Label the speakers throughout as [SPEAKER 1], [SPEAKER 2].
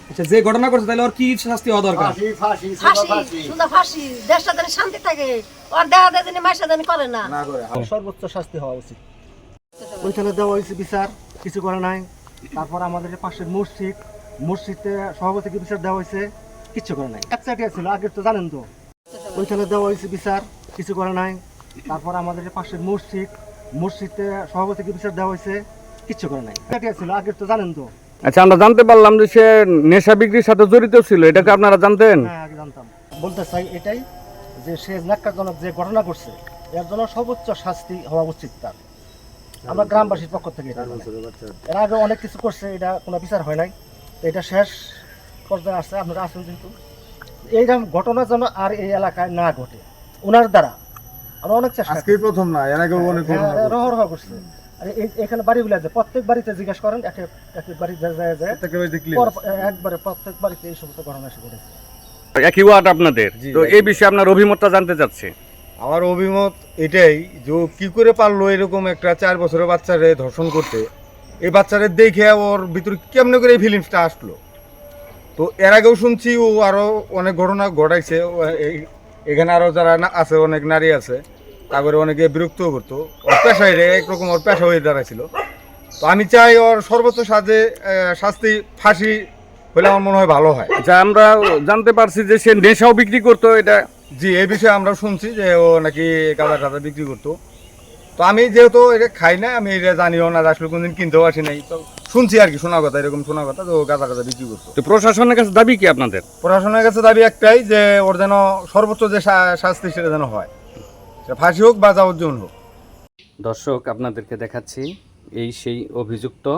[SPEAKER 1] আচ্ছা, যে ঘটনা করছে তাহলে ওর কি শাস্তি হওয়া দরকার?
[SPEAKER 2] ফাঁসি শুধু ফাঁসি, দেশটা যেন শান্তি থাকে, ওর দেওয়া দেয় যেন মাইসা যেন করে না।
[SPEAKER 3] সর্বোচ্চ শাস্তি হওয়া উচিত। ওইখানে দেওয়া হয়েছে বিচার, কিছু করে নাই। তারপর আমাদের যে পাশের মসজিদে সভাপতিকে বিচার দেওয়া হয়েছে, কিচ্ছু করে নাই। একচাটিয়া ছিল আগে, তো জানেন তো। ওইখানে দেওয়া হয়েছে বিচার, কিছু করে নাই। তারপর আমাদের যে পাশের মসজিদে সভাপতিকে বিচার দেওয়া হয়েছে, কিচ্ছু করে নাই। একচাটিয়া ছিল আগে, তো জানেন তো।
[SPEAKER 4] আচ্ছা, আমরা জানতে পারলাম যে সে নেশা বিক্রির সাথে জড়িত ছিল, এটাকে আপনারা জানতেন?
[SPEAKER 3] হ্যাঁ, আগে জানতাম। বলতে চাই এটাই যে সে ন্যাক্কারজনক যে ঘটনা করছে, এর জন্য সর্বোচ্চ শাস্তি হওয়া উচিত তার। আমরা গ্রামবাসীর পক্ষ থেকে এটা বলি। এর আগে অনেক কিছু করছে, এটা কোনো বিচার হয় নাই। তো এটা শেষ পর্যায়ে আসছে, আপনারা আসুন যেহেতু। এইরকম ঘটনা যেন আর এই এলাকায় না ঘটে ওনার দ্বারা। আমরা অনেক চেষ্টা
[SPEAKER 5] আজকেই প্রথম না, এর আগেও অনেক ঘটনা ঘটছে।
[SPEAKER 3] রহ করছে। আর এখানে বাড়িগুলো আছে, প্রত্যেক বাড়িতে জিজ্ঞাসা করেন, এক এক বাড়ি যায় একবারে প্রত্যেক বাড়িতে এই সমস্ত ঘটনা এসে ঘটেছে।
[SPEAKER 4] একই ওয়ার্ড আপনাদের, তো এই বিষয়ে আপনার অভিমতটা জানতে চাচ্ছি।
[SPEAKER 5] আমার অভিমত এটাই যে ও কি করে পারলো এরকম একটা 4 বছরের বাচ্চারে ধর্ষণ করতে। এই বাচ্চারে দেখে ওর ভিতরে কেমনে করে এই ফিলিংসটা আসলো। তো এর আগেও শুনছি ও আরো অনেক ঘটনা ঘটাইছে। এখানে আরো যারা আছে, অনেক নারী আছে, তারপরে অনেকে বিরক্তও করতো। ওর পেশায় একরকম ওর পেশা হয়ে দাঁড়াইছিল। তো আমি চাই ওর সর্বোচ্চ শাস্তি ফাঁসি হলে আমার মনে হয় ভালো হয়।
[SPEAKER 4] আচ্ছা, আমরা জানতে পারছি যে সে নেশাও বিক্রি করতো, এটা?
[SPEAKER 5] জি, এই বিষয়ে আমরা শুনছি যে ও নাকি গাঁজা টাজা বিক্রি করতো। তো আমি যেহেতু এটা খাই না, আমি এটা জানিও না, আসলে কোনদিন কিনতেও আসি নাই। তো শুনছি আর কি, শোনা কথা, এরকম শোনা কথা যে ও গাঁজা টাজা বিক্রি করতো।
[SPEAKER 4] তো প্রশাসনের কাছে দাবি কি আপনাদের?
[SPEAKER 5] প্রশাসনের কাছে দাবি একটাই যে ওর যেন সর্বোচ্চ যে শাস্তি সেটা যেন হয়, সেটা ফাঁসি হোক বা যাবজ্জীবন হোক।
[SPEAKER 4] দর্শক, আপনাদেরকে দেখাচ্ছি এই সেই অভিযুক্ত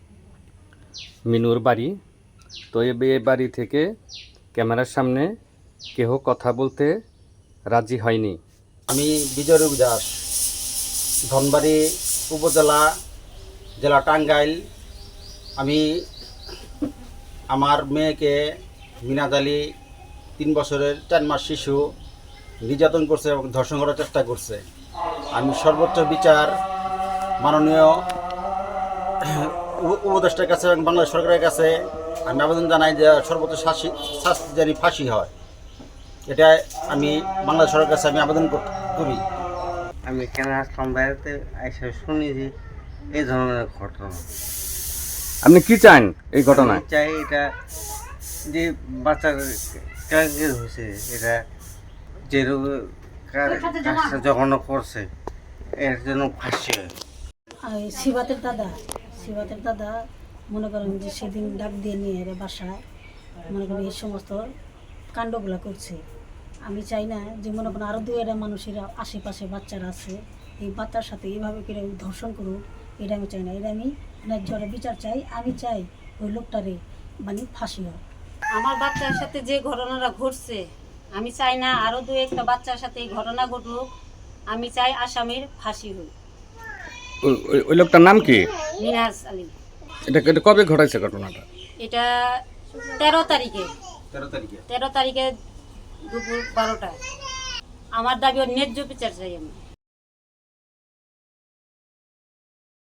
[SPEAKER 4] মিনুর বাড়ি। তো এই বাড়ি থেকে ক্যামেরার সামনে কেহ কথা বলতে রাজি হয়নি।
[SPEAKER 6] আমি বিজয় রূপ দাস, ধনবাড়ি উপজেলা, জেলা টাঙ্গাইল। আমি আমার মেয়েকে মিনাজ আলী 3 বছরের 4 মাস শিশু নির্যাতন করছে এবং ধর্ষণ করার চেষ্টা করছে। আমি সর্বোচ্চ বিচার মাননীয় উপদেষ্টার কাছে এবং বাংলাদেশ সরকারের কাছে আমি আবেদন জানাই যে সর্বোচ্চ শাস্তি যেন ফাঁসি হয়। এটা আমি বাংলাদেশ সরকারের কাছে আমি আবেদন করি।
[SPEAKER 7] আমি এখানে আসলাম বেড়াতে, এসে শুনি যে এই ধরনের ঘটনা।
[SPEAKER 4] আপনি কি চান এই ঘটনায়?
[SPEAKER 7] আমি চাই এটা যে বাচ্চার ক্যান্সার হয়েছে, এটা যে কাজটা যখন করছে এর জন্য ফাঁসি হয়।
[SPEAKER 8] শিবাতের দাদা মনে করেন যে সেদিন ডাক দিয়ে নিয়ে এর বাসায় মনে করেন এই সমস্ত কাণ্ডগুলো করছে। আমি চাই না যে মনে করেন আরও 2-1 মানুষেরা আশেপাশে বাচ্চারা আছে, এই বাচ্চার সাথে এইভাবে করে ধর্ষণ করুক, এটা আমি চাই না। এটা আমি ন্যায্য বিচার চাই। আমি চাই ওই লোকটারে মানে ফাঁসি হয়।
[SPEAKER 9] আমার বাচ্চার সাথে যে ঘটনাটা ঘটছে, আমি চাই না আরও 2-1টা বাচ্চার সাথে এই ঘটনা ঘটুক। আমি চাই আসামির ফাঁসি হোক।
[SPEAKER 4] ওই লোকটার নাম কি?
[SPEAKER 9] মিনাজ আলী।
[SPEAKER 4] এটা কবে ঘটাইছে ঘটনাটা?
[SPEAKER 9] এটা 13 তারিখে দুপুর 12টায়। আমার দাবি ন্যায্য বিচার চাই আমি।